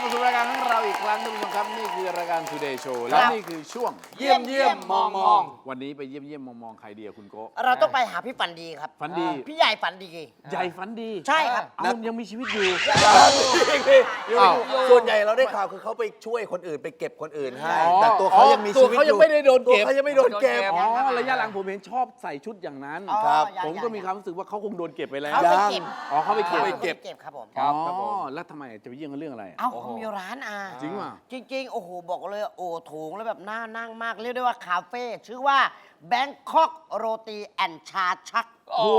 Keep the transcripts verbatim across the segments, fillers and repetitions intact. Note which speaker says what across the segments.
Speaker 1: สู่รายการของเราอีกครั้งท่านผู้ชมครับนี่คือรายการ Today Show และนี่คือช่วง
Speaker 2: เยี่ยมเยี่ยมมองมอง
Speaker 1: วันนี้ไปเยี่ยมเยี่ยมมองมองใครเดียวคุณโกะ
Speaker 2: เราต้องไปหาพี่ฝันดีครับ
Speaker 1: ฝันดี
Speaker 2: พี่ใหญ่ฝันดี
Speaker 1: ใหญ่ฝันดี
Speaker 2: ใช่ครับ
Speaker 1: เอายังมีชีวิตอยู่
Speaker 3: อ้าวส่วนใหญ่เราได้ข่าวคือเขาไปช่วยคนอื่นไปเก็บคนอื่นให้
Speaker 1: อ๋อ
Speaker 3: แต่ตัวเขายังมีชีวิต
Speaker 1: ตัวเขา
Speaker 3: อ
Speaker 1: ยัง
Speaker 3: ยู่
Speaker 1: ไม่ได้โดนเก็บ
Speaker 3: ตัวเขายังไม่โดนเก็บ
Speaker 1: อ๋อระยะหลังผมเห็นชอบใส่ชุดอย่างนั้น
Speaker 2: อ๋อ
Speaker 3: ครับ
Speaker 2: ยัง
Speaker 1: ผมก็
Speaker 2: ยัง
Speaker 1: มีความรู้สึกว่าเขาคงโดนเก็บไปแล้ว
Speaker 2: เขาไปเก็บ
Speaker 1: อ๋อเขาไปเก็บ
Speaker 2: เขาไปเก็บครับผม
Speaker 1: อ๋อแล้วทำไมจะไปเยี่ยมกันเรื่องอะไร
Speaker 2: เอ้าเขามีร้านอ่ะ
Speaker 1: จริงว่ะ
Speaker 2: จริงๆ โอ้โห บอกเลย โอ้โถงแล้วแบบน่านั่งมาก เรียกได้ว่าคาเฟ่ชื่อว่า Bangkok โรตีแอนชาชัก
Speaker 1: โอ้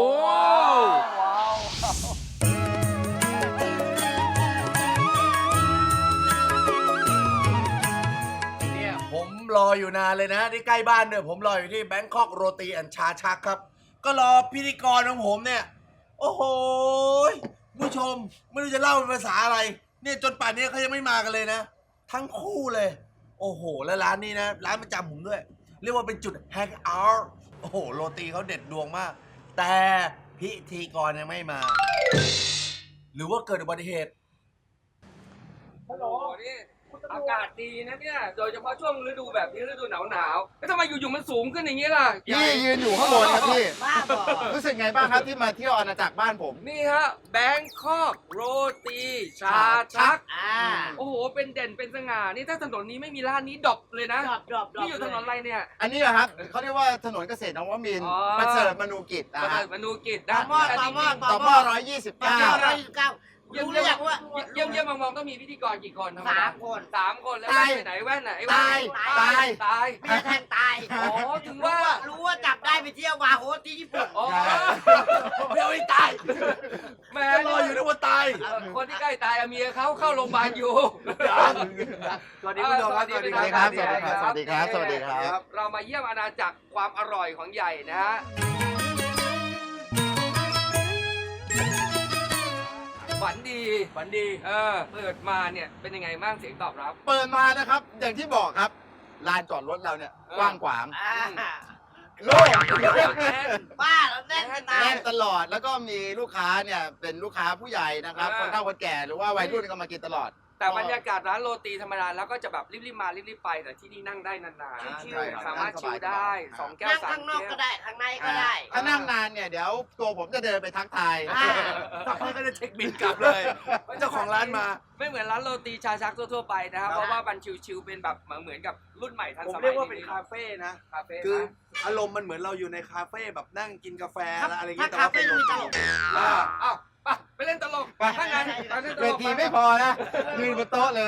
Speaker 3: เนี่ยผมรออยู่นานเลยนะที่ใกล้บ้านด้วยผมรออยู่ที่แบงคอกโรตีแอนชาชักครับ ก็รอพิธีกรของผมเนี่ย โอ้โหผู้ชมไม่รู้จะเล่าเป็นภาษาอะไร เนี่ยจนป่านนี้เขายังไม่มากันเลยนะ ทั้งคู่เลย โอ้โห แล้วร้านนี้นะ ร้านประจำผมด้วย เรียกว่าเป็นจุดแฮงเอาท์โอ้โห โรตีเขาเด็ดดวงมาก แต่พิธีกรยังไม่มา หรือว่าเกิดอุบัติเหตุ
Speaker 4: ฮัลโหลนี่อากาศดีนะเนี่ย โดยเฉพาะช่วงฤดูแบบนี้ฤดูหนาวหนาวๆแล้วทำไมอยู่ๆมันสูงขึ้นอย่างนี้ล่ะ
Speaker 5: พี่ยืนอยู่ข้างบนครับพี่
Speaker 2: บ้าบอ
Speaker 5: รู้สึกไงบ้างครับที่มาเที่ยวอาณาจักรบ้านผม
Speaker 4: นี่ฮะแบงคอกโรตีชาชัก
Speaker 2: อ่า
Speaker 4: โอ้โห เป็นเด่นเป็นสง่า นี่ถ้าถนนนี้ไม่มีร้านนี้ดรอปเลยนะ
Speaker 2: ดรอปดรอปดรอป
Speaker 4: นี่อยู่ถนนอะไรเนี่ย
Speaker 5: อันนี้เหรอครับเขาเรียกว่าถนนเกษตรนวมินทร์
Speaker 4: อ๋อ
Speaker 5: ประเสริฐมนูกิจนะ
Speaker 4: ประ
Speaker 5: ฮะ
Speaker 4: เสริฐมนูกิจ
Speaker 2: ต่
Speaker 4: นะ
Speaker 2: อหม้อต่อหม้อ
Speaker 5: ต่อหม้อร้อยยี่สิบ
Speaker 2: ต่อ
Speaker 5: เก้า
Speaker 2: หม้อร้อยยี่สิบเก้า
Speaker 4: เยี่ยม
Speaker 2: รู้ห
Speaker 4: เยี่
Speaker 2: รื
Speaker 4: ย
Speaker 2: อ
Speaker 4: ม
Speaker 2: ยังว่า
Speaker 4: เยี่ยมเยี่ยมมองๆต้องมีพิธีกรกี่คนธรรมด
Speaker 2: สามคน
Speaker 4: สามคนแล้วแว่นไปไหนแว่นไหนแว่น
Speaker 5: ตาย
Speaker 4: ตายตาย
Speaker 2: เมียแทงตาย
Speaker 4: อ๋อถึงว่า
Speaker 2: รู้ว่าจับได้ไปเที่ยวบาร์โฮสที่ญี่ปุ่น
Speaker 4: อ๋อ
Speaker 3: ไม่เอาให้ตาย
Speaker 4: แหม่
Speaker 3: รออยู่นึกว่าตาย
Speaker 4: เอ่อคนที่ใกล้ตายอะเมียเขาเข้าโรงพยาบาลอยู่
Speaker 3: สวัสดีคุณผู้ชมครับ
Speaker 4: สวัสดี
Speaker 5: สวัสดีครับสวัสดีครับสวัสดีครับสวัสดีครับ
Speaker 4: เรามาเยี่ยมอาณาจักรความอร่อยของใหญ่นะฮะฝันดีฝันดีเออเปิดมาเนี่ยเป็นยังไงบ้างเสียงตอบรับ
Speaker 5: เปิดมานะครับ อย่างที่บอกครับลานจอดรถเราเนี่ย
Speaker 4: เออ
Speaker 5: กว้างขวาง
Speaker 2: อ่า
Speaker 5: โล่ง
Speaker 2: บ้าแล้วแน่นจะตาย
Speaker 5: แน่นตลอดแล้วก็มีลูกค้าเนี่ยเป็นลูกค้าผู้ใหญ่นะครับคนเฒ่าคนแก่หรือว่าวัยรุ่นก็มากินตลอด
Speaker 4: แต่บรรยากาศร้านโรตีธรรมดาแล้วก็จะแบบรีบๆมารีบๆไปแต่ที่นี่นั่งได้นาน
Speaker 5: อ่า
Speaker 4: ๆชิ
Speaker 5: ใช่
Speaker 4: ว
Speaker 5: ครับ
Speaker 4: ๆสามารถชิวได้
Speaker 5: ครับ
Speaker 4: สองแก้ว
Speaker 2: นั่ง
Speaker 4: สาม
Speaker 2: ข้างนอก
Speaker 4: แก้
Speaker 2: ก็
Speaker 4: ว
Speaker 2: ได้ ข้างในก็ได้
Speaker 5: ถ้านั่งนานเนี่ยเดี๋ยวตัวผมจะเดินไปทักทาย
Speaker 2: อ่า
Speaker 3: สักพักก็จะเช็คบินกลับเลยเจ้าของร้านมา
Speaker 4: ไม่เหมือนร้านโรตีชาชักทั่วๆไปนะครับ
Speaker 3: ครับ
Speaker 4: เพราะว่ามันชิวๆเป็นแบบเหมือนกับรุ่นใหม่ทัน
Speaker 3: ผม
Speaker 4: สมัย
Speaker 3: เรียกว่าเป็นคาเฟ่นะ
Speaker 4: คาเฟ่
Speaker 3: คือ
Speaker 4: นะ
Speaker 3: อารมณ์มันเหมือนเราอยู่ในคาเฟ่แบบนั่งกินกาแฟ
Speaker 2: ถ้า
Speaker 3: แล้วอะไรอย่าง
Speaker 2: ถ้า
Speaker 3: เงี้ย
Speaker 2: คาเฟ่ต้องมีตลก
Speaker 4: อ่าอ้าวไปไปเล่นตลก
Speaker 5: ไป
Speaker 4: ถ้างั้นไปเล่นต
Speaker 5: เว
Speaker 4: ลก
Speaker 5: ทีไม่พอนะยืนบนโต๊ะเลย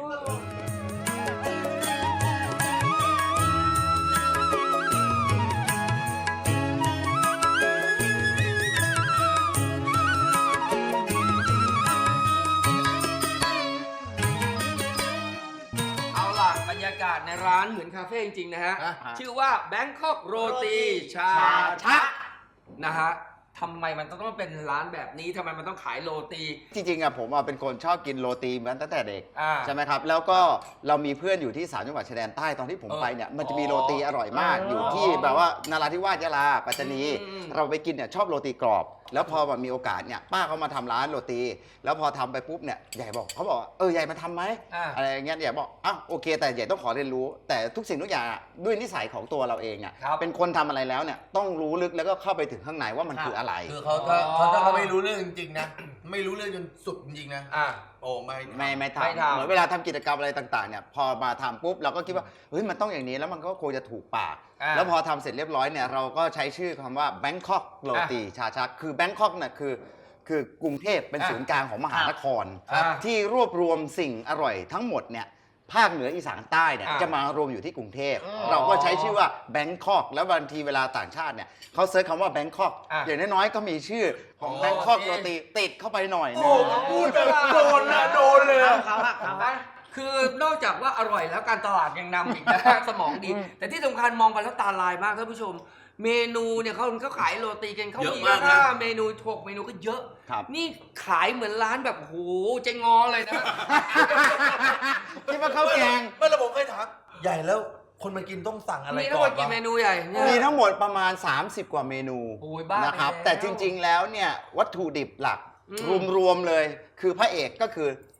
Speaker 4: เอาล่ะบรรยากาศในร้านเหมือนคาเฟ่จริงๆนะฮะ
Speaker 5: อ่าฮะ
Speaker 4: ชื่อว่า Bangkok โรตีชาชักนะฮะทำไมมันต้องเป็นร้านแบบนี้ทำไมมันต้องขายโรตี
Speaker 5: จริงๆอะผมอะเป็นคนชอบกินโรตีมาตั้งแต่เด็ก
Speaker 4: อ่า
Speaker 5: ใช่ไหมครับ แล้วก็เรามีเพื่อนอยู่ที่สามจังหวัดชายแดนใต้ตอนที่ผม
Speaker 4: เออ
Speaker 5: ไปเนี่ยมันจะมีโรตีอร่อยมาก
Speaker 4: อ๋อ
Speaker 5: อ
Speaker 4: อยู่
Speaker 5: ที่แบบว่านราธิวาสยะลาปัตตานี
Speaker 4: อืม
Speaker 5: เราไปกินเนี่ยชอบโรตีกรอบ แล้วพอมามีโอกาสเนี่ยป้าเขามาทำร้านโรตี แล้วพอทำไปปุ๊บเนี่ยใหญ่บอกเขาบอกว่าเออใหญ่มาทำไหม
Speaker 4: อ่า
Speaker 5: อะไรอย่างเงี้ยใหญ่บอกอ้าวโอเค แต่ใหญ่ต้องขอเรียนรู้ แต่ทุกสิ่งทุกอย่างอะด้วยนิสัยของตัวเราเองอ่ะ
Speaker 4: ครับ
Speaker 5: เป็นคนทำอะไรแล้วเนี่ยต้องรู้ลึกแล้วก็เข้าไปถึงข้างในว่ามันคืออะไร
Speaker 3: คือเขาถ้าเขาถ้าเขาไม่รู้เรื่องจริงๆนะ ไม่รู้เรื่องจนสุดจริงๆนะ
Speaker 4: อ่า
Speaker 3: โอ้ไม่
Speaker 5: ไม่ไม่
Speaker 4: ไม่
Speaker 5: ทำ
Speaker 4: ทำ
Speaker 5: เหมือนเวลาทำกิจกรรมอะไรต่างๆเนี่ยพอมาทำปุ๊บเราก็คิดว่าเฮ้ยมันต้องอย่างนี้แล้วมันก็คงจะถูกปาก
Speaker 4: อ่า
Speaker 5: แล้วพอทำเสร็จเรียบร้อยเนี่ยเราก็ใช้ชื่อคำว่า Bangkok โรตีชาชักคือ Bangkok เนี่ยคือคือกรุงเทพเป็น
Speaker 4: อ่า
Speaker 5: ศูนย์กลางของมหานคร
Speaker 4: ครับ
Speaker 5: ที่รวบรวมสิ่งอร่อยทั้งหมดเนี่ยภาคเหนืออีสานใต้เนี่ย
Speaker 4: อ่า
Speaker 5: จะมารวมอยู่ที่กรุงเทพ
Speaker 4: อ๋อ
Speaker 5: เราก็ใช้ชื่อว่า Bangkok แล้วบางทีเวลาต่างชาติเนี่ยเขาเซิร์ชคำว่า Bangkok
Speaker 4: อ่า
Speaker 5: อย่างน้อยๆก็มีชื่อของ
Speaker 4: โอ
Speaker 5: Bangkok
Speaker 4: เค
Speaker 5: โรตีติดเข้าไปหน่อยนึ
Speaker 3: โอ้
Speaker 5: ง
Speaker 3: พูดแบบโดนนะโดนเลย
Speaker 2: เขา
Speaker 3: อะ
Speaker 2: เขาอะเขาอะ
Speaker 4: คือนอกจากว่าอร่อยแล้วการตลาดยังนำอีกนะ สมองดี แต่ที่สำคัญมองไปแล้วตาลายมากท่านผู้ชม เมนูเนี่ยเขาเขาขายโรตีกันเขา
Speaker 3: เยอะ
Speaker 4: มี
Speaker 3: มากนะ
Speaker 4: ค่าเมนูหกเมนูก็เยอะ
Speaker 5: ครับ
Speaker 4: นี่ขายเหมือนร้านแบบโหเจ๊งอเลยนะ
Speaker 5: คิดว่าข้าวแกง
Speaker 3: ไม่ระบบเคยถามใหญ่แล้วคนมากินต้องสั่งอะไร
Speaker 4: มีทั้ง
Speaker 3: ก่
Speaker 4: หม
Speaker 3: อน
Speaker 4: ดกี่
Speaker 3: วะ
Speaker 4: เมนูใหญ่เนี่ย
Speaker 5: มีทั้งหมดประมาณ สามสิบ กว่าเมนู
Speaker 4: โอ้ยบ้า
Speaker 5: นะครับ
Speaker 4: ไปแล้ว
Speaker 5: แต่จริงๆแล้วเนี่ยวัตถุดิบหลัก
Speaker 4: อืม
Speaker 5: รวมๆเลย คือพระเอกก็คือ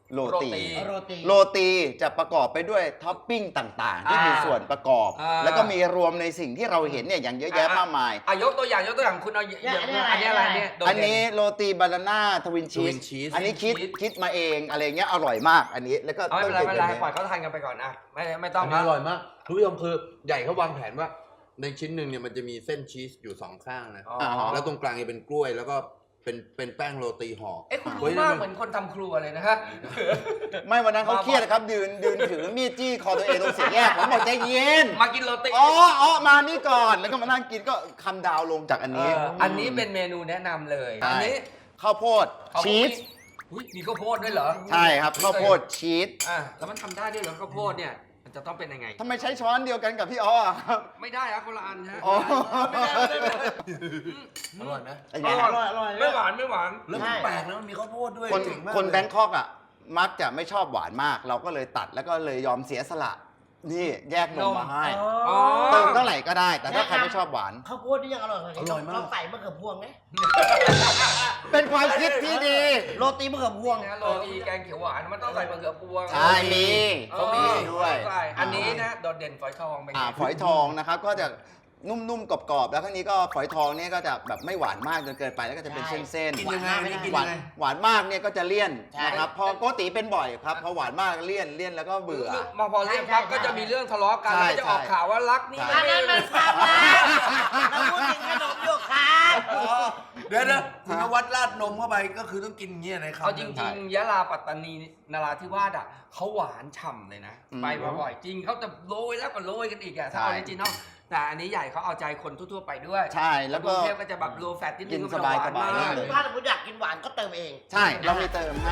Speaker 5: โรตี
Speaker 2: โรตี
Speaker 5: โรตีจะประกอบไปด้วยท็อปปิ้งต่างๆ ที่มีส่วนประกอบ
Speaker 4: อ่า
Speaker 5: แล้วก็มีรวมในสิ่งที่เราเห็นเนี่ยอย่างเยอะแยะมากมาย
Speaker 4: อ่ะยกตัวอย่างยกตัวอย่างคุณเอา
Speaker 2: เนี่ย
Speaker 4: อันนี้อะไร
Speaker 2: อันนี้
Speaker 4: เนี่ยโดด
Speaker 5: อัน
Speaker 4: เด่
Speaker 5: นี้โรตีบานาน่าทวินชี
Speaker 3: Twin
Speaker 5: ส
Speaker 3: cheese
Speaker 5: อันนี้คิด
Speaker 4: ชีส
Speaker 5: คิดมาเองอะไรเงี้ยอร่อยมากอันนี้แล้วก็
Speaker 4: เอาไม่เป็นไรไม่เป็นไร
Speaker 5: ต้อง
Speaker 4: ปล่อยเขาทานกันไปก่อนนะไม่ไม่ต้อง
Speaker 3: อันนี้อร่อยมากคุณผู้ชมคือใหญ่เขาวางแผนว่า ในชิ้นหนึ่งเนี่ยมันจะมีเส้นชีสอยู่สองข้างนะ
Speaker 4: อ๋อ
Speaker 3: แล้วตรงกลางจะเป็นกล้วยแล้วก็เป็นเป็นแป้งโรตีห่อ
Speaker 4: เอ๊ะคุณ
Speaker 3: ฮ้
Speaker 4: รู้
Speaker 3: ย
Speaker 4: มาก
Speaker 3: นั่น
Speaker 4: เหมือนคนทำครัวเลยนะฮะ
Speaker 5: ไม่วันนั้นเขาเครียดนะครับยืนยืนถือมีดจี้คอตัวเองตรงสี่แยกผมบอกใจเย็น
Speaker 4: มากินโรตี
Speaker 5: อ๋ออ๋อมานี่ก่อนแล้วก็มานั่งกินก็คำดาวลงจากอัน
Speaker 4: เอ
Speaker 5: นี้
Speaker 4: ออันนี้เป็นเมนูแนะนำเลย
Speaker 5: ใช่
Speaker 4: อันนี้
Speaker 5: ข้าวโพด
Speaker 4: เขา
Speaker 5: ชีส
Speaker 4: อุ๊ยมีข้าวโพดด้วยเหรอ
Speaker 5: ใช่ครับข้าวโพดชีส
Speaker 4: อ่ะแล้วมันทำได้ด้วยเหรอข้าวโพดเนี่ยมันจะต้องเป็นยังไง
Speaker 5: ทำไมใช้ช้อนเดียวกันกับพี่อ้อครับ
Speaker 4: ไม่ได้ครับคนละอันฮะ
Speaker 5: อ๋อ
Speaker 4: ไม่ได้ไม่ได้ไม่ได้
Speaker 3: อร่อยไหม
Speaker 5: เป็น
Speaker 4: อ
Speaker 5: ไง
Speaker 4: ร่อย
Speaker 2: อร่อย
Speaker 4: ไม่หวานไม่หวาน
Speaker 3: แล้วมันแปลกนะมันมีข้าวโพดด้วย
Speaker 5: คน
Speaker 3: เจ๋งมาก
Speaker 5: คน
Speaker 3: เลย
Speaker 5: แบงคอกอ่ะมักจะไม่ชอบหวานมาก เราก็เลยตัดแล้วก็เลยยอมเสียสละ นี่แยกนมมาให้
Speaker 4: อ๋อ
Speaker 5: เติมเท่าไหร่ก็ได้ แต่ถ้าใครไม่ชอบหวาน
Speaker 2: ข้าวโพดนี่ยังอร่อยเลย
Speaker 3: อร่อยมาก
Speaker 2: เราใส่มะเขือพวงไหม
Speaker 5: เป็นความคิดที่ดี
Speaker 2: โรตีมะเขือพวง
Speaker 4: นะโรตีแกงเขียวหวานมันต้องใส่มะเขือพวง
Speaker 5: ใช่มี
Speaker 4: เขามี
Speaker 5: ด้วย
Speaker 4: ใส่อันนี้นะโดดเด่นฝอยทองเป็นไง
Speaker 5: อ่าฝอยทองนะครับก็จะนุ่มๆกรอบๆแล้วข้างนี้ก็ฝอยทองเนี่ยก็จะแบบไม่หวานมากจนเกินไปแล้วก็จะเป็น
Speaker 2: ใช่
Speaker 5: เส้นๆ
Speaker 3: กินยังไงอันนี้กิน
Speaker 5: หวา
Speaker 3: ยั
Speaker 5: น
Speaker 3: งไง
Speaker 5: หวานมากเนี่ยก็จะเลี่ยน
Speaker 2: ใช่
Speaker 5: นะครับพอโกติเป็นบ่อยครับพอหวานมากเลี่ยนเลี่ยนแล้วก็เบื่อ
Speaker 4: มาพอเรียกปั๊บก็จะมีเรื่องทะเลาะกัน
Speaker 5: ใช่
Speaker 4: แล้วก็จะออกข่าวว่ารักนี่
Speaker 5: ใช่
Speaker 2: อันนั้นมันความรักเราพูดถึงขนมอยู่ครับ
Speaker 3: อ๋อเดี๋ยวนะคุณนวัดราดนมเข้าไปก็คือต้องกินอย่างเงี้ยในคำ
Speaker 4: เอาจ
Speaker 3: หนึ่
Speaker 4: ริงๆยะลาปัตตานีนราธิวาสอ่ะเขาหวานฉ่ำเลยนะ
Speaker 5: อืม
Speaker 4: ไปมาบ่อยจริงเขาจะโรยแล้วก็โรยกันอีกอะถ้า
Speaker 5: ใช่
Speaker 4: ออริจินอลแต่อันนี้ใหญ่เขาเอาใจคนทั่วๆไปด้วย
Speaker 5: ใช่แล้วก็
Speaker 4: กรุงเทพก็จะแบบโลแฟตนิดนึง
Speaker 5: กิน
Speaker 4: ก็จะหวาน
Speaker 5: สบายๆ
Speaker 4: มาก
Speaker 5: เลย
Speaker 2: ถ้าสมมติอยากกินหวานก็เติมเอง
Speaker 5: ใช่เรามีเติมให้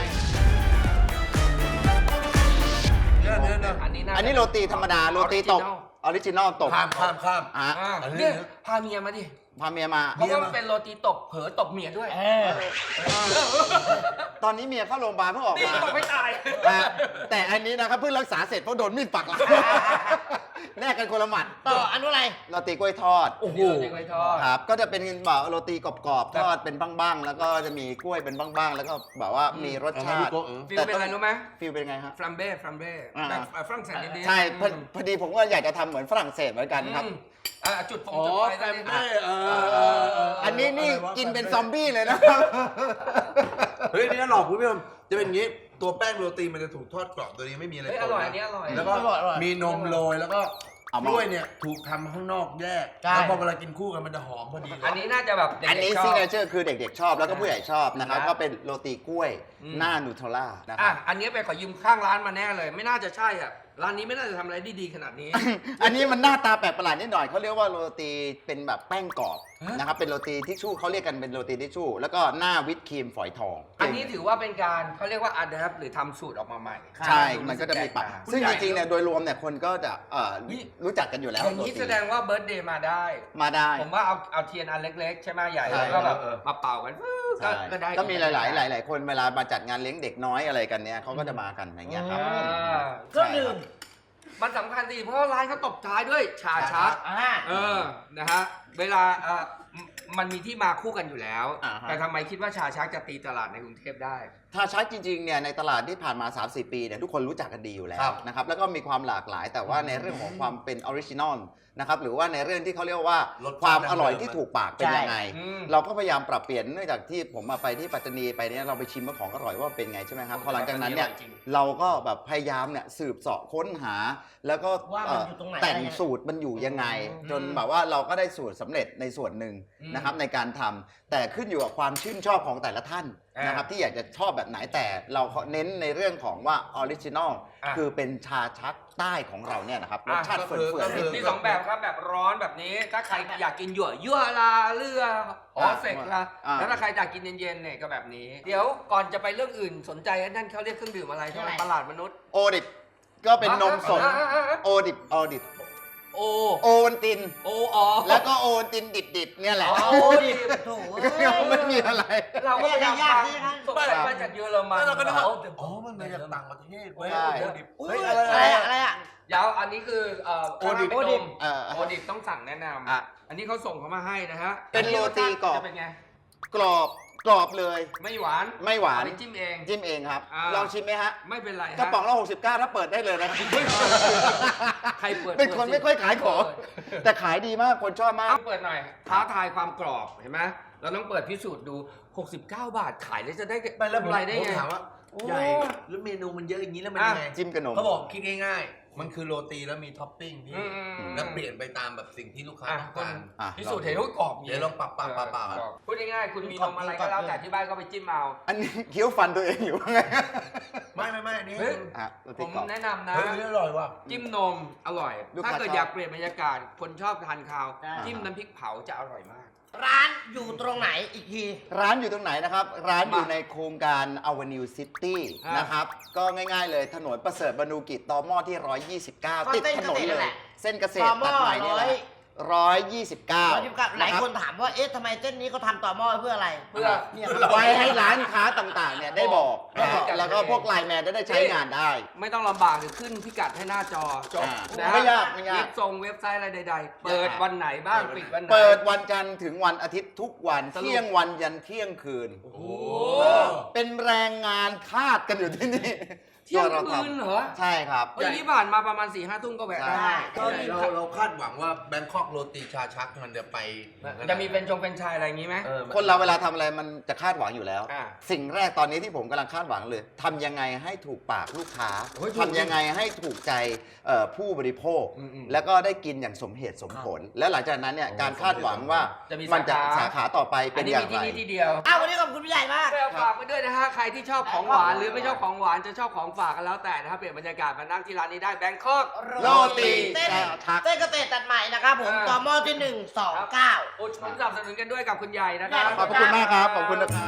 Speaker 3: เนี่ยเนี่ยเนี่ย
Speaker 4: อันนี้น่า
Speaker 5: อันนี้โรตีธรรมดาโรตีตบออริจินอลตบ
Speaker 3: ข้ามข้ามข้าม
Speaker 5: อ่ะ
Speaker 4: อ่า
Speaker 3: อันนี้
Speaker 4: เนี่ยพาเมียมาดิ
Speaker 5: พาเมียมา
Speaker 4: เพราะว่ามันเป็นโรตีตบเผลอตบเมียด้วย
Speaker 2: เออ
Speaker 5: ตอนนี้เมียเข้าโรงพยาบาลเพิ่งออก
Speaker 4: นี่
Speaker 5: มา
Speaker 4: ตบไม่ตาย
Speaker 5: อ่ะแต่อันนี้นะครับเพิ่งรักษาเสร็จเพราะโดนมีดปักหลังแลกกันคนละหมัด
Speaker 2: ต่ออันนู้นอะไร
Speaker 5: โรตีกล้วยทอด
Speaker 4: โอ้โหจริงไว้ทอด
Speaker 5: ครับก็จะเป็นแบบโรตีกรอบๆทอดเป็นบ้างๆแล้วก็จะมีกล้วยเป็นบ้างๆแล้วก็แบบว่ามีรสชาติ
Speaker 4: ฟิลเป็นอะไรรู้ไหม
Speaker 5: ฟิลเป็นไงฮะ
Speaker 4: ฟรัมเบ้ฟรัมเบ้
Speaker 5: อ่า
Speaker 4: แบบฝรั่งเศสนิดๆ
Speaker 5: ใช่พอ
Speaker 4: อืม
Speaker 5: พอดีผมก็อยากจะทำเหมือนฝรั่งเศสเหมือนกันครับ
Speaker 4: อืมอ่าจุดฟง
Speaker 3: อ๋อ
Speaker 4: จุดไฟ
Speaker 3: แฟ
Speaker 4: สัก
Speaker 3: ม
Speaker 4: นิด
Speaker 3: เบ้เออเออเออ
Speaker 5: อันนี้นี่
Speaker 3: อะไรวะ
Speaker 5: กินเป็นซอมบี้เลยนะครับ
Speaker 3: เฮ้ยนี่หลอกคุณผู้ชมจะเป็นอย่างนี้ตัวแป้งโรตีมันจะถูกทอดกรอบตัวนี้ไม่มีอะไร
Speaker 4: เฮ้ย
Speaker 3: ป
Speaker 4: อน ร่อย
Speaker 3: นะ
Speaker 4: อันนี้อร่อย
Speaker 3: แล้วก็
Speaker 2: อร่อยอร่อย
Speaker 3: มีนมโรยแล้วก็
Speaker 5: เอา
Speaker 3: ก
Speaker 5: มา
Speaker 3: ล้วยเนี่ยถูกทำข้างนอกแยก
Speaker 2: ใช่
Speaker 3: แล้วพอเวลากินคู่กันมันจะหอมพอดีเลย
Speaker 4: อันนี้น่าจะแบบเด็กๆ
Speaker 5: อันนี้
Speaker 4: ชอบ
Speaker 5: ซิกเนเจอร์คือเด็กๆชอบแล้วก็ผู้ใหญ่ชอบนะครับ
Speaker 4: นะ
Speaker 5: ก็เป็นโรตีกล้วย
Speaker 4: อืม
Speaker 5: หน้านูเทลล่านะค
Speaker 4: อ่ะ
Speaker 5: รับ
Speaker 4: อันนี้ไปขอยืมข้างร้านมาแน่เลย ไม่น่าจะใช่อ่ะ ร้านนี้ไม่น่าจะทำอะไรได้ดีขนาดนี้
Speaker 5: อันนี้มันหน้าตาแปลกประหลาดนิดหน่อยเขาเรียกว่าโรตีเป็นแบบแป้งกรอบ
Speaker 4: ฮะ
Speaker 5: นะครับเป็นโรตีทิชชู่เขาเรียกกันเป็นโรตีทิชชู่แล้วก็หน้าวิปครีมฝอยทอง
Speaker 4: อันนี้ถือว่าเป็นการเขาเรียกว่าอัดแอปหรือทำสูตรออกมาใหม่
Speaker 5: ใช่ มันก็จะมีปรับ
Speaker 4: แตกต่าง
Speaker 5: ซึ่งจริงๆเนี่ยโดยรวมเนี่ยคนก็จะเอ่อ
Speaker 4: นี่
Speaker 5: รู้จักกันอยู่แล้ว
Speaker 4: อย่างนี้
Speaker 5: โรตี
Speaker 4: แสดงว่าเบิร์ดเดย์มาได้
Speaker 5: มาได้
Speaker 4: ผมว่าเอาเอาเทียนอันเล็กๆ ใช่ไหมใหญ่
Speaker 5: ใช่
Speaker 4: แล้วก็แบบ
Speaker 3: เออ
Speaker 4: มาเป่ากันก็
Speaker 5: ใช่
Speaker 4: ก็ได้
Speaker 5: ก็มีหลายๆ หลาย ๆ คนเวลามาจัดงานเลี้ยงเด็กน้อยอะไรกันเนี่ยเขาก็จะมากันอย่างเงี้ยครับ
Speaker 4: อ่า
Speaker 2: เครื่องดื่ม
Speaker 4: มันสำคัญสิเพราะว่าร้านเขาตบท้ายด้วยชาชัก
Speaker 2: อ่า
Speaker 4: เออ นะฮะ เวลาเอ่อมมันมีที่มาคู่กันอยู่แล้ว
Speaker 5: อ่าฮะ
Speaker 4: แต่ทำไมคิดว่าชาชักจะตีตลาดในกรุงเทพได้
Speaker 5: ถ้าชักจริงๆเนี่ยในตลาดที่ผ่านมา สามสี่ ปีเนี่ยทุกคนรู้จักกันดีอยู่แล้
Speaker 3: ครั
Speaker 5: ว
Speaker 3: บ
Speaker 5: นะครับแล้วก็มีความหลากหลายแต่ว่าในเรื่องของความเป็นออริจินอลนะครับหรือว่าในเรื่องที่เขาเรียกว่าร
Speaker 3: สชาติ
Speaker 5: ความอร่อย
Speaker 3: ดั้งเดิม
Speaker 5: ที่ถูกปากเป็นยังไง
Speaker 4: อืม
Speaker 5: เราก็พยายามปรับเปลี่ยนเนื่องจากที่ผมมาไปที่ปัตตานีไปเนี่ยเราไปชิมว่าของอร่อยว่าเป็นไงใช่ไหมครับพอหลังจากนั้นเนี่ย
Speaker 4: จริง
Speaker 5: เราก็แบบพยายามเนี่ยสืบเสาะค้นหา แล้วก็
Speaker 2: ว่ามันอยู่ตรงไหน
Speaker 5: แต่ง
Speaker 2: อะไรยังไง
Speaker 5: สูตรมันอยู่ยังไง
Speaker 4: อืม
Speaker 5: จนแบบว่าเราก็ได้สูตรสำเร็จในส่วนหนึ่ง
Speaker 4: อืม
Speaker 5: นะครับในการทำแต่ขึ้นอยู่กับความชื่นชอบของแต่ละท่าน
Speaker 4: อ่าน
Speaker 5: นะครับที่อยากจะชอบแบบไหนแต่เราเน้นในเรื่องของว่าออริจินอล
Speaker 4: อ่ะ
Speaker 5: คือเป็นชาชักใต้ของเราเนี่ยนะครับรสชาติ
Speaker 3: ก็
Speaker 5: เฟื
Speaker 3: คือ
Speaker 5: ่อน
Speaker 3: ก็
Speaker 5: ๆ
Speaker 3: คื
Speaker 5: นิด
Speaker 4: มี
Speaker 5: นึง
Speaker 4: สองแบบครับแบบร้อนแบบนี้ ถ้าใครอยากกินหยั่วยั่วลาเรือหอเสกละ
Speaker 5: อ่า
Speaker 4: แล้วถ้าใครอยากกินเย็นๆเนี่ยก็แบบนี้ เดี๋ยวก่อนจะไปเรื่องอื่นสนใจนั่นเขาเรียกเครื่องดื่มอะไรทำไมตลาดมนุษย์
Speaker 5: โอดิบก็เป็นนมสด
Speaker 4: อ่ะอ่ะอ่ะอ่ะ
Speaker 5: โอดิบโอดิบ
Speaker 4: โอ
Speaker 5: โอวันติน
Speaker 4: โออ๋อ
Speaker 5: แล้วก็โอวันตินดิบๆเนี่ยแหละ
Speaker 4: อ๋อ
Speaker 2: โอ้ดิโถ
Speaker 5: ไม่มีอะไร
Speaker 4: เราก็พยายาม
Speaker 2: ยาก
Speaker 4: ฟัง
Speaker 2: ๆนะครับ
Speaker 4: สงสัยมาจากเยอรมัน
Speaker 3: แล้วเราก็นึกว่า
Speaker 4: โ
Speaker 3: อ๋อมันมาจากต่างประเทศเว้ย
Speaker 5: ใช่
Speaker 3: โอ้ดิบ
Speaker 2: อุ้ย
Speaker 3: เฮ้ย
Speaker 2: อะ
Speaker 3: อะไร ไร
Speaker 2: อะ
Speaker 3: อะไร ไร
Speaker 2: อะ
Speaker 3: อะ
Speaker 4: ยาวอันนี้คือเอ่อ
Speaker 3: โอดิบ
Speaker 4: คาราเมลนม
Speaker 5: เอ่อ
Speaker 4: โอดิบต้องสั่งแนะนำ
Speaker 5: อ่ะ
Speaker 4: อันนี้เขาส่งเขามาให้นะฮะ
Speaker 5: เป็นโรตีกรอบ
Speaker 4: จะเป็นไง
Speaker 5: กรอบกรอบเลย
Speaker 4: ไม่หวาน
Speaker 5: ไม่หวาน
Speaker 4: เอปจิ้มเอง
Speaker 5: จิ้มเองครับ
Speaker 4: อ่า
Speaker 5: ลองชิมไหมฮะ
Speaker 4: ไม่เป็นไรฮ
Speaker 5: กระป๋องละหกสิบเก้าถ้าเปิดได้เลยนะครับ
Speaker 4: ใครเปิด
Speaker 5: เป็นคน
Speaker 4: ปิดสิ
Speaker 5: ไม่ค่อยขายของ
Speaker 4: เปิด
Speaker 5: แต่ขายดีมากคนชอบมาก
Speaker 4: เอาเปิดหน่อยท้าทายความกรอบเห็นไหมเราต้องเปิดพิสูจน์ดู หกสิบเก้า บาทขายแล้วจะได้
Speaker 3: ไปแล้วผม
Speaker 4: กำไรได้
Speaker 3: ผม
Speaker 4: ไง
Speaker 3: ถามว่า
Speaker 4: โอ้
Speaker 3: ใหญ่แล้วเมนูมันเยอะอย่างนี้แล้วมันยังไง
Speaker 5: จิ้มกับนม
Speaker 3: เขาบอกคิดง่ายๆ มันคือโรตีแล้วมีท็อปปิ้งพี่
Speaker 4: อืมอืมอืม
Speaker 3: แล้วเปลี่ยนไปตามแบบสิ่งที่ลูกค้า
Speaker 4: อ่ะ
Speaker 3: ต้อง
Speaker 4: คุณ
Speaker 3: การ
Speaker 5: อ่ะ
Speaker 4: พิสูจน์เห็นว่ากรอบ
Speaker 3: เดี๋ยวลองปรับปรับปรับปรับ
Speaker 4: กรอบพูดง่ายๆคุณมีนมอะไรก็แล้วแต่ที่บ้านก็ไปจิ้มเอา
Speaker 5: อันนี้เคี้ยวฟันตัวเองอยู่ไง
Speaker 3: ไม่ไม่ไม่อันนี้
Speaker 4: เฮ้ย
Speaker 5: อ่ะโร
Speaker 4: ผ
Speaker 5: ตี
Speaker 4: ม
Speaker 5: กรอบ
Speaker 4: แนะนำนะ
Speaker 3: เฮ้ยอร่อยว่ะ
Speaker 4: จิ้มนมอร่อย
Speaker 5: ลูก
Speaker 4: ถ้า
Speaker 5: ค้า
Speaker 4: เกิด
Speaker 5: ชอบ
Speaker 4: อยากเปลี่ยนบรรยากาศ คนชอบทานข้าว
Speaker 2: ใช่
Speaker 4: จิ้มน้ำพริกเผาจะอร่อยมาก
Speaker 2: ร้านอยู่ตรงไหนอีกที
Speaker 5: ร้านอยู่ตรงไหนนะครับ ร้านอยู่
Speaker 4: มา
Speaker 5: ในโครงการ Avenue City
Speaker 4: อ่าน
Speaker 5: นะครับ ก็ง่ายๆเลยถนนประเสริฐบรรณูกิจตอหม้อที่ หนึ่งร้อยยี่สิบเก้า
Speaker 2: ก็
Speaker 5: ติด
Speaker 2: เส้น
Speaker 5: ถนน
Speaker 2: เกษตรนั่
Speaker 5: เล
Speaker 2: นแห
Speaker 5: ย
Speaker 2: ละ
Speaker 5: เส้นเกษตร
Speaker 2: ตอหม้
Speaker 5: ตั
Speaker 2: อ
Speaker 5: ดใหม่นี่แหละ
Speaker 2: ร้อย
Speaker 5: ร้อยยี่สิบเก้า
Speaker 2: ร้อยยี่สิบเก้าหลายคนถามว่าเอ๊ะทำไมเส้นนี้เขาทำต่อหม้อเพื่ออะไร
Speaker 4: เพื่อ
Speaker 2: เนี่ย
Speaker 5: ไว้ให้ร้านค้าต่างๆเนี่ยได้บอก
Speaker 4: ได้
Speaker 5: นะ
Speaker 4: บอก
Speaker 5: แล้วก็พวกไลน์แมนได้ใช้งานได้
Speaker 4: ไม่ต้องลำบากเดี๋ยวขึ้นพิกัดให้หน้าจอจบ
Speaker 5: อ่า
Speaker 4: นะฮะ
Speaker 5: ไม่ยากไม่ยาก
Speaker 4: เว็บทรงเว็บไซต์อะไรใดๆ เปิดวันไหนบ้างปิดวันไหน
Speaker 5: เปิดวันจันทร์ถึงวันอาทิตย์ทุกวัน
Speaker 4: สรุป
Speaker 5: เที่ยงวันยันเที่ยงคืน
Speaker 4: โอ้โห
Speaker 5: เป็นแรงงานทาสกันอยู่ที่นี่
Speaker 4: เที่ยง
Speaker 5: ตัวรา
Speaker 4: คืนเหรอ
Speaker 5: ใช่ครับ
Speaker 4: เฮ้ยที่ผ่านมาประมาณสี่ห้าทุ่มก็แวะได้
Speaker 5: ใช่
Speaker 3: ก็เราเราคาดหวังว่าแบงคอกโรตีชาชักมันจะไป
Speaker 4: จะมีเป็นชงเป็นชายอะไรอย่างนี้ไหม
Speaker 3: ออ
Speaker 5: คนเราเวลาทำอะไรมันจะคาดหวังอยู่แล้ว
Speaker 4: อ่า
Speaker 5: สิ่งแรกตอนนี้ที่ผมกำลังคาดหวังเลยทำยังไงให้ถูกปากลูกค้า
Speaker 4: โอ้ยถูก
Speaker 5: ทำยังไงให้ถูกใจเอ่อผู้บริโภค
Speaker 4: อืมอืม
Speaker 5: แล้วก็ได้กินอย่างสมเหตุสมผล และหลังจากนั้นเนี่ยการคาดหวังว่า
Speaker 4: จะมี
Speaker 5: มันจะ
Speaker 4: สาขา
Speaker 5: สาขาต่อไป
Speaker 4: อั
Speaker 5: เป็น น
Speaker 4: นี้
Speaker 5: อย่า
Speaker 4: มี
Speaker 5: ง
Speaker 4: ที่
Speaker 5: ไร
Speaker 4: นี่ที่เดียว
Speaker 2: อ้าววันนี้ขอบคุณพี่ใหญ่มาก
Speaker 4: ไปเอาฝากไปด้วยนะฮะ ใครที่ชอบของหวานหรือไม่ชอบของหวานจะชอบของฝากกันแล้วแต่นะครับเปลี่ยนบรรยากาศมานั่งที่ร้านนี้ได้แบงคอก
Speaker 5: โรตี
Speaker 2: เต้น
Speaker 5: ชัก
Speaker 2: เต้นเกษตรตัดใหม่นะครับผม
Speaker 4: อ่า
Speaker 2: ต่อหม้อที่หนึ่งสองเก้า
Speaker 4: อุดหนุนสนับสนุนกันด้วยกับคุณใหญ่นะครับ
Speaker 5: ขอบคุณมากครับขอบคุณนะครับ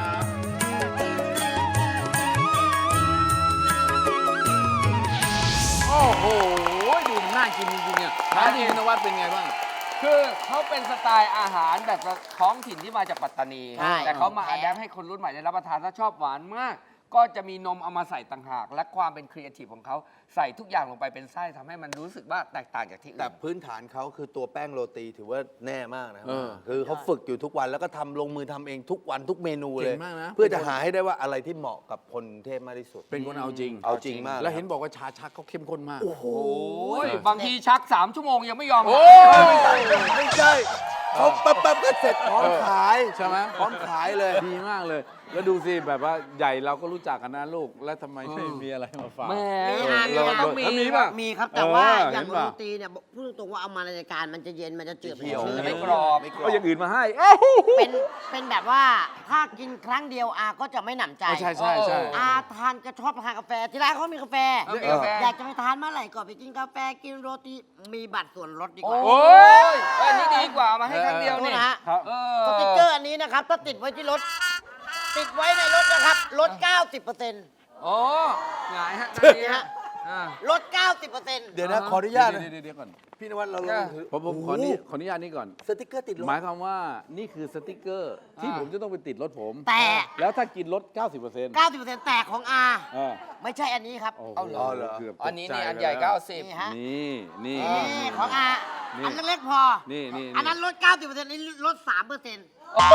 Speaker 1: โอ้โห ดูมันน่ากินจริงๆเนี่ยร้านนี้คุณนวัดเป็นไงบ้าง
Speaker 4: คือเขาเป็นสไตล์อาหารแบบท้องถิ่นที่มาจากปัตตานี
Speaker 2: ใช่
Speaker 4: แต่เขามา
Speaker 2: แท้
Speaker 4: อัดแอปให้คนรุ่นใหม่ได้รับประทานถ้าชอบหวานมาก ก็จะมีนมเอามาใส่ต่างหาก และความเป็นครีเอทีฟของเขาใส่ทุกอย่างลงไปเป็นไส้ทำให้มันรู้สึกว่าแตกต่างจากที่อื่น
Speaker 6: แต่พื้นฐานเขาคือตัวแป้งโรตีถือว่าแน่มากนะครั
Speaker 1: เออ
Speaker 6: คือเขาฝึกอยู่ทุกวันแล้วก็ทำลงมือทำเองทุกวันทุกเมนูเลย
Speaker 1: เก่งมากนะ
Speaker 6: เพื่อจะหาให้ได้ว่าอะไรที่เหมาะกับคนกรุงเทพมากที่สุด
Speaker 1: เป็นคนเอาจริง
Speaker 6: เอาจริงมาก
Speaker 1: แล้วเห็นบอกว่าชาชักเขาเข้มข้นมาก
Speaker 6: โอ้โห
Speaker 4: โอ้ยบางทีชักสามชั่วโมงยังไม่ยอม
Speaker 1: โอ้
Speaker 6: ไม่ใช่ไม่ใช่เขาแป๊บๆก็เสร็จพร้อมขาย
Speaker 1: ใช่ไหม
Speaker 6: พร้อมขายเลย
Speaker 1: ดีมากเลย แล้วดูสิแบบว่าใหญ่เราก็รู้จักกันนะลูก แล้วทำไมไม่มีอะไรมาฝาก
Speaker 4: แหม
Speaker 2: มีอา
Speaker 1: เรา
Speaker 2: มี
Speaker 1: เรา
Speaker 2: มี
Speaker 1: แล้วมีป่ะ
Speaker 2: มีครับแต่ว่า
Speaker 1: เออ
Speaker 2: อย่าง
Speaker 1: เห็น
Speaker 2: โร
Speaker 1: ป่ะ
Speaker 2: ตีเนี่ยพูดตรงๆว่าเอามารายการมันจะเย็นมันจะจืด
Speaker 6: เขียว
Speaker 2: ชื้น
Speaker 4: ไม่กรอบ
Speaker 6: ไม่กร
Speaker 1: ก็
Speaker 6: อบ
Speaker 1: อย่างอื่นมาให้เอ้า
Speaker 2: เป็นเป็นแบบว่าถ้ากินครั้งเดียวอาก็จะไม่หนำใจ
Speaker 1: ใช่ใช่ใช่
Speaker 2: อาทานก็ชอบทานกาแฟที่ร้านเขามีกาแฟ
Speaker 4: เออมีกาแฟ
Speaker 2: อยากจะไปทานเมื่อไหร่ก็ไปกินกาแฟกินโรตีมีบัตรส่วนลดดีกว่า
Speaker 4: โอ้ยอันนี้ดีกว่าเอามาให้ครั้งเดียว
Speaker 2: โทษ
Speaker 4: นี่
Speaker 2: นะฮะ
Speaker 1: ครับ
Speaker 4: เอ
Speaker 2: สติกเกอร์อันนี้นะครับ ถ้าติดไว้ที่รถ ติดไว้ในรถนะครับ ลด เก้าสิบเปอร์เซ็นต์
Speaker 4: โอ้หงายฮะ
Speaker 2: นี่ฮะ
Speaker 4: อ่า
Speaker 2: ลด เก้าสิบเปอร์เซ็นต์
Speaker 6: เดี๋ยวนะขออนุญาตนะ
Speaker 1: เดี๋ยวเดี๋ยวก่อน
Speaker 6: พี่นวัดเราล
Speaker 4: เอ
Speaker 6: อง
Speaker 4: อ
Speaker 6: ถือ
Speaker 1: ผมผมขออนุญาตขออนุญาตนี่ก่อน
Speaker 6: สติกเกอร์ติดรถ
Speaker 1: หมายความว่านี่คือสติกเกอร์ที่
Speaker 4: อ่า
Speaker 1: ผมจะต้องไปติดรถผม
Speaker 2: แต่
Speaker 1: แล้วถ้ากินลด เก้าสิบเปอร์เซ็นต์
Speaker 2: เก้าสิบเปอร์เซ็นต์แต่ของอา
Speaker 1: เออ
Speaker 2: ไม่ใช่อันนี้ครับ
Speaker 1: โอ้โห
Speaker 4: เอาเหรอ
Speaker 1: เกือบตก
Speaker 4: อันนี้นี่
Speaker 1: ใจ
Speaker 4: อันใหญ่
Speaker 1: ไปแล้ว
Speaker 4: เก้าสิบ
Speaker 2: นี่ฮะ
Speaker 1: นี่นี่
Speaker 2: นี่
Speaker 1: นี่
Speaker 2: ของอา
Speaker 1: นี่
Speaker 2: อันเล็กๆพอ
Speaker 1: นี่นี่
Speaker 2: อันนั้นลด เก้าสิบเปอร์เซ็นต์นี่ลด สามเปอร์เซ็นต์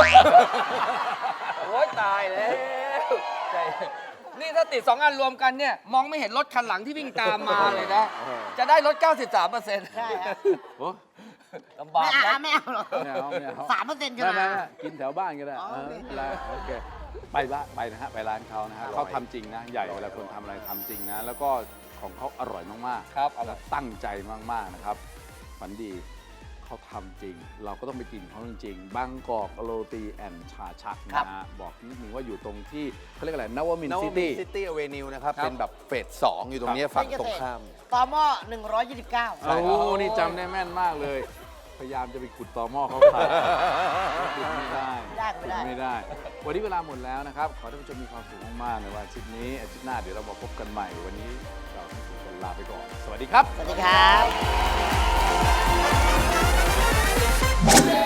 Speaker 4: โอ้ยตายแล้วใจนี่ถ้าติดสองอันรวมกันเนี่ย มองไม่เห็นรถคันหลังที่วิ่งตามมาเลยนะ จะได้ลด เก้าสิบสามเปอร์เซ็นต์
Speaker 2: ใช่ฮะ
Speaker 1: โอ้
Speaker 4: ลำบา
Speaker 2: ไม่
Speaker 4: ก
Speaker 2: เอา
Speaker 4: นะ
Speaker 2: ไม่เอาหรอก
Speaker 1: ไม่เอาไม่เอา
Speaker 2: สามเปอร์เซ็นต์ใช่
Speaker 1: ไม่
Speaker 2: ไหม
Speaker 1: ไม่ไม่กินแถวบ้านก็ได้
Speaker 2: อ๋อ
Speaker 1: เออ
Speaker 2: โอเค
Speaker 1: ไม่เป็นไรโอเคไปละไปนะฮะไปร้านเขานะฮะเขาทำจริงนะ ใหญ่เวลาคนทำอะไรทำจริงนะ แล้วก็ของเขาอร่อยมากๆ
Speaker 4: ครับ
Speaker 1: แล้วตั้งใจมากๆนะครับฝันดีเขาทำจริง เราก็ต้องไปกินเขาจริงๆบางกอกโรตีแอนชาชักนะฮะบอกนิดนึงว่าอยู่ตรงที่เขาเรียกอะไรนวมิน
Speaker 6: น
Speaker 1: ท
Speaker 6: ว
Speaker 1: ร์ซิ
Speaker 6: มิน
Speaker 1: ตี้
Speaker 6: ซิตี้อเวนิวนะครับ
Speaker 4: ครับ
Speaker 6: เป็นแบบเฟสสองอยู่ตรงเนี้ยฝั่งตรงข้าม
Speaker 2: ต่อหม้อหนึ่งร้อยยี่สิบเก้า
Speaker 1: โอ้โหนี่จำได้แม่นมากเลย พยายามจะไปขุดต่อหม้อเขาขายขุดไม่ได้
Speaker 2: ไม่ได้
Speaker 1: ขุ
Speaker 2: ไม่
Speaker 1: ด
Speaker 2: ได้
Speaker 1: ไม่ได้ วันนี้เวลาหมดแล้วนะครับ ขอให้ท่านผู้ชมมีความสุขมากๆในวันอาทิตย์นี้อาทิตย์หน้าเดี๋ยวเรามาพบกันใหม่ วันนี้เราทั้งสี่คนลาไปก่อน สวัสดีครับ
Speaker 2: สวัสดีครับ